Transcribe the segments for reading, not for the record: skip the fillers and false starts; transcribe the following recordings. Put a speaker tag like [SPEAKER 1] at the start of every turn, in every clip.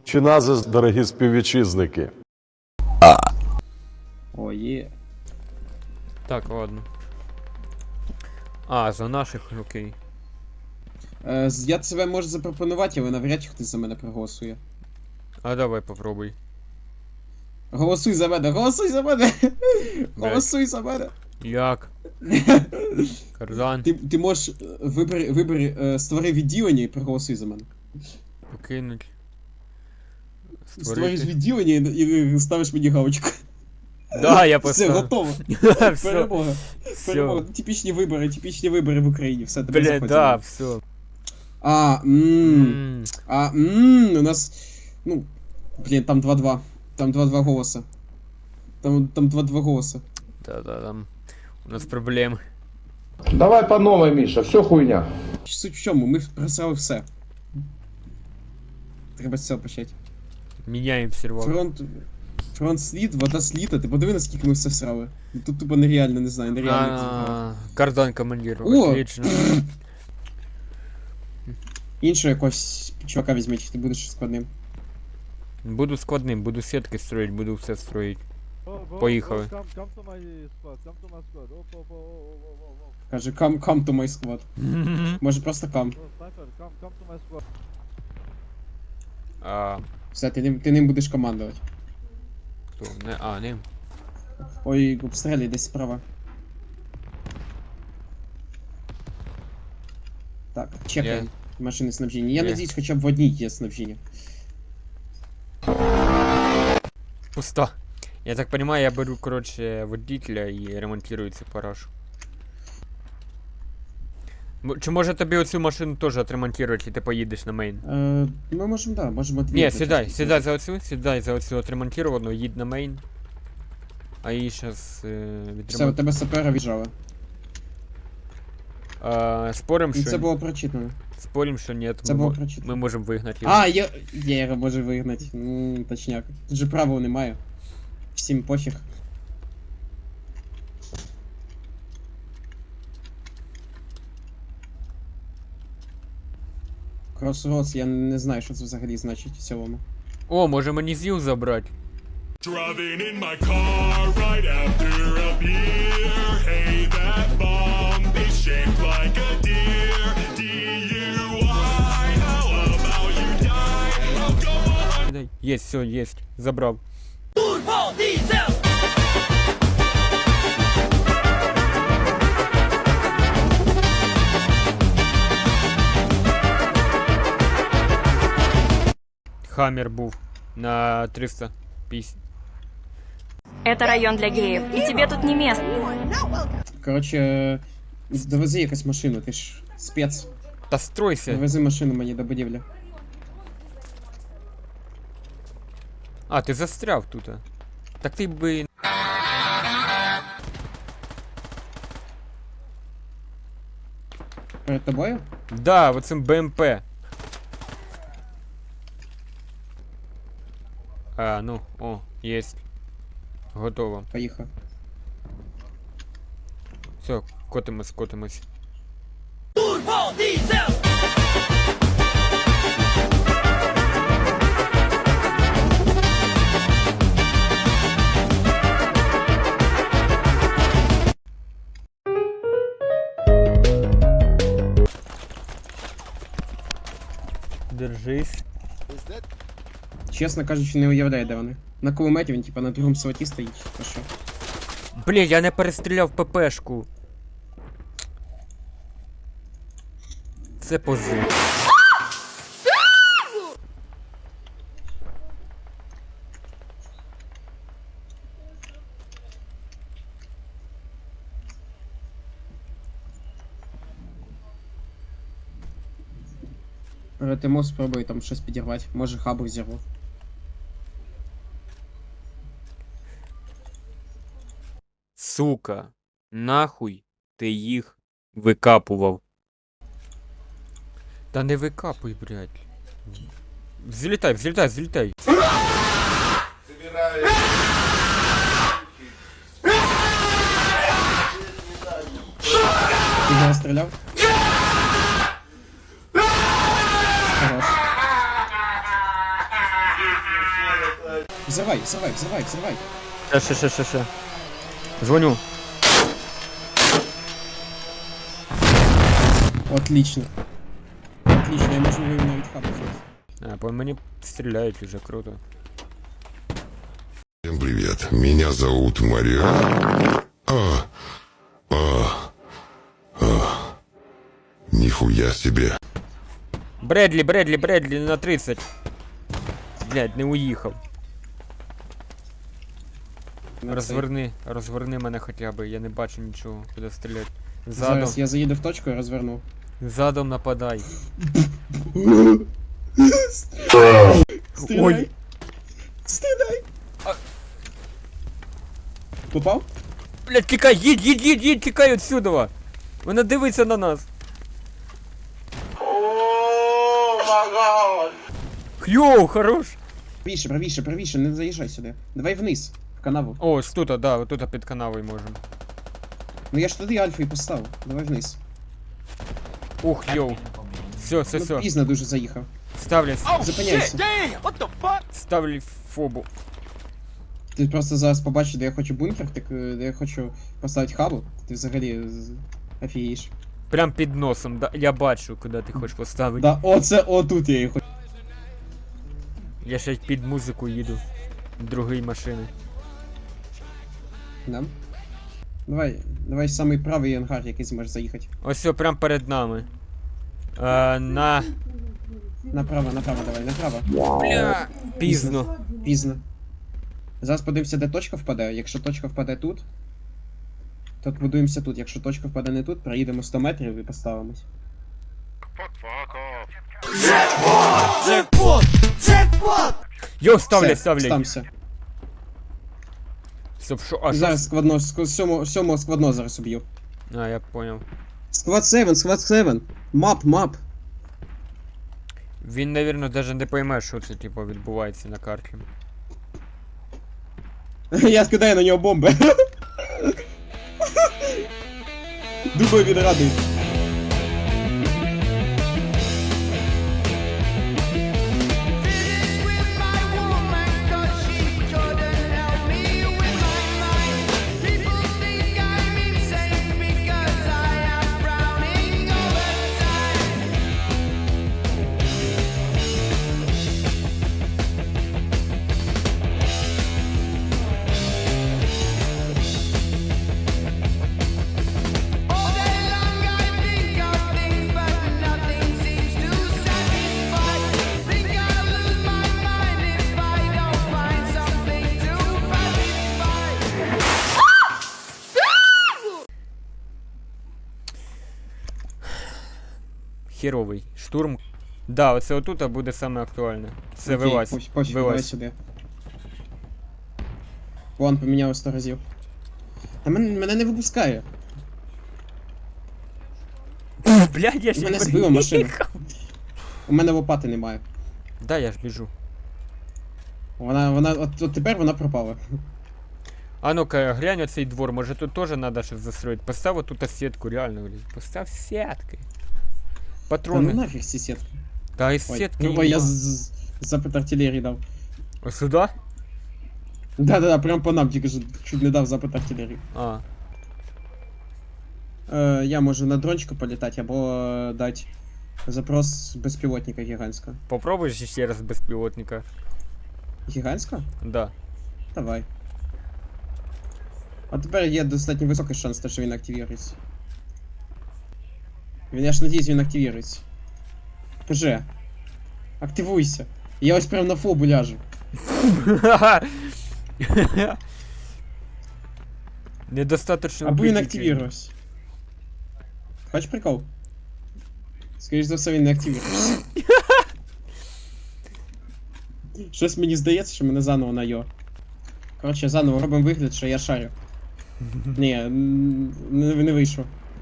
[SPEAKER 1] Чи назис, дорогі співвітчизники?
[SPEAKER 2] О, є.
[SPEAKER 3] Так, ладно. А, за наших, окей.
[SPEAKER 2] Я себе можу запропонувати, але навряд чи хтось за мене проголосує.
[SPEAKER 3] А давай попробуй.
[SPEAKER 2] Голосуй за мене, голосуй за мене! Голосуй за мене!
[SPEAKER 3] Як? Кардан.
[SPEAKER 2] Ти можеш створи відділення і проголосуй за мене.
[SPEAKER 3] Покинуть.
[SPEAKER 2] Створиш відділення і ставиш мені галочку.
[SPEAKER 3] Да, я
[SPEAKER 2] Все,
[SPEAKER 3] поставив.
[SPEAKER 2] готово.
[SPEAKER 3] Все.
[SPEAKER 2] Перемога. Перемога.
[SPEAKER 3] Все.
[SPEAKER 2] Типічні вибори в Україні. Все, тебе
[SPEAKER 3] Блядь,
[SPEAKER 2] заходимо.
[SPEAKER 3] да, все.
[SPEAKER 2] У нас... Ну, блін, там 2-2. Там 2-2 голоса. Там 2-2 голоса.
[SPEAKER 3] Да, там у нас проблемы.
[SPEAKER 4] Давай по новой, Миша, все хуйня.
[SPEAKER 2] Суть в чому? Ми просрали все. Треба з цього почати.
[SPEAKER 3] Меняем сервак.
[SPEAKER 2] Фронт слід, вода слід, а ти подиви, наскільки ми все всрали. Ну, тут тупо нереально, не знаю, нереально. як зібрали.
[SPEAKER 3] Кардан командир,
[SPEAKER 2] О!
[SPEAKER 3] отлично.
[SPEAKER 2] Іншого якогось чувака візьми, чи ти будеш складним.
[SPEAKER 3] Буду складним, буду сетки строить, буду все строить. Поїхали.
[SPEAKER 2] Каже, come to my squad. Може просто come.
[SPEAKER 3] А,
[SPEAKER 2] Все, ти ним будеш командувати.
[SPEAKER 3] хто? Не, не.
[SPEAKER 2] Ой, обстрілюй десь справа. Так, чекаємо.
[SPEAKER 3] Є.
[SPEAKER 2] Машини снабження. Я
[SPEAKER 3] Є.
[SPEAKER 2] надіюсь, хоча б в одній є снабження.
[SPEAKER 3] Пусто. Я так понимаю, я беру, короче, водителя и ремонтирую цю парашу. Чи може тобі оцю машину теж отремонтувати, і ти поїдеш на мейн?
[SPEAKER 2] Ми можемо, да, можемо дві.
[SPEAKER 3] Ні, сідай за оцю отремонтировану, їдь на мейн. А її щас
[SPEAKER 2] Все, у
[SPEAKER 3] відремонтуємо.
[SPEAKER 2] тебе сапера віджала.
[SPEAKER 3] Спорим,
[SPEAKER 2] Ну, це
[SPEAKER 3] що...
[SPEAKER 2] було прочитано.
[SPEAKER 3] Спорим, що ні,
[SPEAKER 2] Це було прочитано.
[SPEAKER 3] ми можемо вигнати його.
[SPEAKER 2] А, я його можу вигнати. Точняк. Тут же правил немає. Всім пофіг. Crossroads, я не знаю, що це взагалі значить в цілому.
[SPEAKER 3] О, може мені ЗІЛ забрати?
[SPEAKER 5] Driving in my car right after a beer. Hey, that bomb is shaped like a deer. DUI, how about you die? I'll go on.
[SPEAKER 3] Єсть, все, єсть. Забрав. Хаммер був на 350.
[SPEAKER 6] Это район для геев, и тебе тут не место.
[SPEAKER 2] Коротше, довези якусь машину, ти ж спец.
[SPEAKER 3] Та стройся.
[SPEAKER 2] Довези машину мені до будівлі.
[SPEAKER 3] А, ти застряв тут. Так ти би...
[SPEAKER 2] Перед тобою?
[SPEAKER 3] Да, оцим БМП. А, ну, о, єсть. Готово.
[SPEAKER 2] Поїхав.
[SPEAKER 3] Все, котимось. Держись.
[SPEAKER 2] Чесно кажучи, не уявляю, де вони. На кулеметі він, типа, на другому слоті стоїть, то що?
[SPEAKER 3] Блін, я не перестріляв ППшку. Це позив.
[SPEAKER 2] Тимо спробуй там щось підірвати. Може хабу взірву.
[SPEAKER 3] Сука, нахуй ти їх викапував? Та не викапуй, блядь. Взлітай.
[SPEAKER 2] Ти його стріляв? Хорош. Взрывай, взрывай, взрывай, взрывай.
[SPEAKER 3] Ще. Дзвоню.
[SPEAKER 2] Отлично. Отлично, я можу його навіть хабу взяти.
[SPEAKER 3] А, по мені стріляють уже, круто.
[SPEAKER 7] Всем привет, меня зовут Мариан. Нихуя себе.
[SPEAKER 3] Бредлі на 30. Блядь, не уїхав. Розверни мене хоча б, я не бачу нічого, куди стріляти. Задом,
[SPEAKER 2] Зараз я заїду в точку і розверну.
[SPEAKER 3] задом нападай.
[SPEAKER 2] Стріляй! Стріляй! Попав?
[SPEAKER 3] Блядь, тікай, їдь, тікай отсюда. Вона дивиться на нас. Йоу, хорош.
[SPEAKER 2] Правіше, не заїжджай сюди. Давай вниз, в канаву.
[SPEAKER 3] О, ось тут, да, тут під канавою можемо.
[SPEAKER 2] Ну я ж туди альфа і поставив. Давай вниз.
[SPEAKER 3] Ух, йоу. Все.
[SPEAKER 2] Ну, пізно дуже заїхав. Зупиняйся.
[SPEAKER 3] Ставлю фобу.
[SPEAKER 2] Ти просто зараз побачиш, де я хочу бункер, де я хочу поставити хабу. Ти взагалі офігієш.
[SPEAKER 3] Прям під носом, да, я бачу, куди ти хочеш поставити.
[SPEAKER 2] Да, отут я її хочу.
[SPEAKER 3] Я ще під музику їду. Другої машини.
[SPEAKER 2] Да? Давай самий правий ангар, який зможеш заїхати.
[SPEAKER 3] Ось все, прям перед нами.
[SPEAKER 2] Направо, давай, направо.
[SPEAKER 3] Бля, пізно.
[SPEAKER 2] Пізно. Зараз подивимося, де точка впаде. Якщо точка впаде тут, то будуємося тут. Якщо точка впаде не тут, проїдемо 100 метрів і поставимось.
[SPEAKER 3] Йо,
[SPEAKER 2] Все,
[SPEAKER 3] ставлять.
[SPEAKER 2] стався.
[SPEAKER 3] Стоп, що? А,
[SPEAKER 2] Зараз складно, сьомого складно зараз уб'ю.
[SPEAKER 3] А, я понял.
[SPEAKER 2] Склад 7. Мап.
[SPEAKER 3] Він, навірно, даже не пойме, що це, типу, відбувається на карті.
[SPEAKER 2] Я скидаю на нього бомби. Думаю, він радий.
[SPEAKER 3] Херовий. Штурм. Да, оце отут буде саме актуальне. Це
[SPEAKER 2] Окей,
[SPEAKER 3] вилазь.
[SPEAKER 2] пофіг, давай
[SPEAKER 3] Вилазь.
[SPEAKER 2] сюди. План поміняв 100 разів. Та мене не випускає.
[SPEAKER 3] Блядь, я ще
[SPEAKER 2] Мене
[SPEAKER 3] не
[SPEAKER 2] збила машина.
[SPEAKER 3] приїхав.
[SPEAKER 2] У мене лопати немає.
[SPEAKER 3] Да, я ж біжу.
[SPEAKER 2] От тепер вона пропала.
[SPEAKER 3] А ну-ка, глянь оцей двор, може тут теж треба щось застроїти. Постав тут сітку, реально, блядь. Постав сітки.
[SPEAKER 2] Та ну
[SPEAKER 3] Патрони.
[SPEAKER 2] нафіг ці сітки.
[SPEAKER 3] Та із сітки.
[SPEAKER 2] Ой, я
[SPEAKER 3] нема.
[SPEAKER 2] запит артилерії дав.
[SPEAKER 3] Ось сюди?
[SPEAKER 2] Да, прям по нам тільки чуть не дав запит артилерії.
[SPEAKER 3] А.
[SPEAKER 2] Я можу на дрончику політати або дати запрос безпілотника гігантського.
[SPEAKER 3] Попробуєш ще раз безпілотника?
[SPEAKER 2] Гігантського?
[SPEAKER 3] Да.
[SPEAKER 2] Давай. А тепер є достатньо високий шанс, що він активірується. Я ж надіюсь, він активірується. ПЖ. Активуйся. Я ось прям на фобу ляжу.
[SPEAKER 3] Недостаточно.
[SPEAKER 2] Або він
[SPEAKER 3] вбитий
[SPEAKER 2] активірувався. Хочеш прикол? Скоріш за все, він не активірується. Щось мені здається, що мене заново на йо. Коротше, заново робимо вигляд, що я шарю. Ні, не вийшло.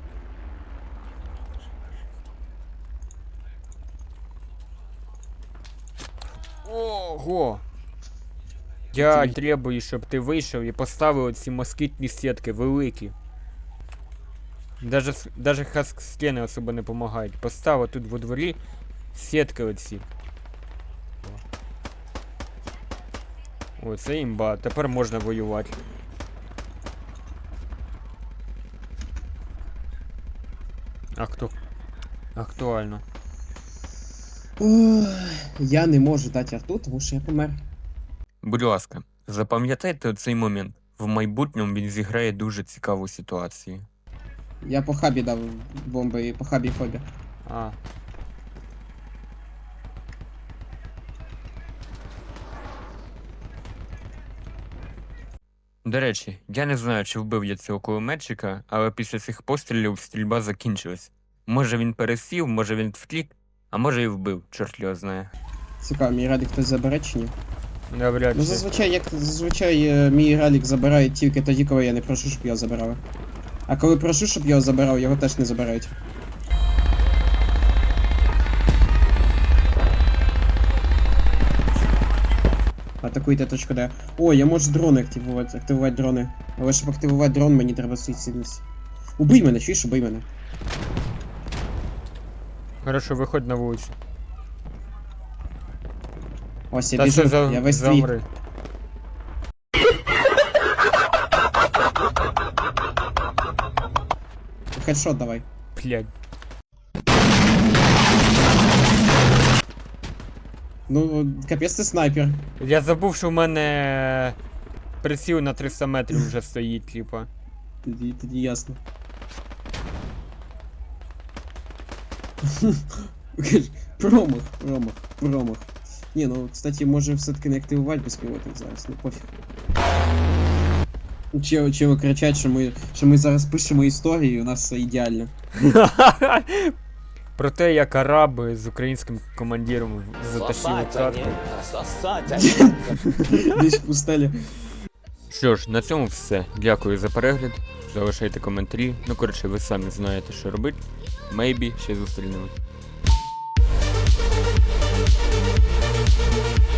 [SPEAKER 3] Ого! Я требую, щоб ти вийшов і поставив ці москітні сітки великі. Даже хаск-стіни особо не допомагають. Постав тут во дворі сітки оці. О, це імба, тепер можна воювати. Актуально.
[SPEAKER 2] Ох, я не можу дати арту, тому що я помер.
[SPEAKER 8] Будь ласка, запам'ятайте цей момент. В майбутньому він зіграє дуже цікаву ситуацію.
[SPEAKER 2] Я по хабі дав бомби і по хабі фобі.
[SPEAKER 3] А.
[SPEAKER 8] До речі, я не знаю, чи вбив я цього кулеметчика, але після цих пострілів стрільба закінчилась. Може він пересів, може він втік, а може і вбив, чорт його знає.
[SPEAKER 2] Цікаво, мій ралік хтось забере чи ні?
[SPEAKER 3] Навряд
[SPEAKER 2] Ну
[SPEAKER 3] чи.
[SPEAKER 2] зазвичай мій ралік забирають тільки тоді, коли я не прошу, щоб його забирали. А коли прошу, щоб його забирав, його теж не забирають. Атакуйте точку Д. О, я можу дрони активувати дрони. Але щоб активувати дрон, мені треба суїцидність. Убий мене, чуєш, убий мене.
[SPEAKER 3] Хорошо, виходь на вулицю.
[SPEAKER 2] Ось я
[SPEAKER 3] Та
[SPEAKER 2] біжу,
[SPEAKER 3] це
[SPEAKER 2] я весь твій.
[SPEAKER 3] замри.
[SPEAKER 2] Хедшот давай.
[SPEAKER 3] Блядь.
[SPEAKER 2] Ну, капець ти снайпер.
[SPEAKER 3] Я забув, що в мене приціл на 300 метрів вже стоїть, типа.
[SPEAKER 2] Тоді ясно. Промах. Ні, ну, кстати, може все-таки не активувати безпілотник зараз, ну пофіг. Чого кричать, що ми зараз пишемо історію, і у нас все ідеально.
[SPEAKER 3] Про те, як араби з українським командиром затащили катку.
[SPEAKER 2] Десь в пустелі.
[SPEAKER 8] Що ж, на цьому все. Дякую за перегляд. Залишайте коментарі. Ну, коротше, ви самі знаєте, що робити. Maybe ще зустрінемось.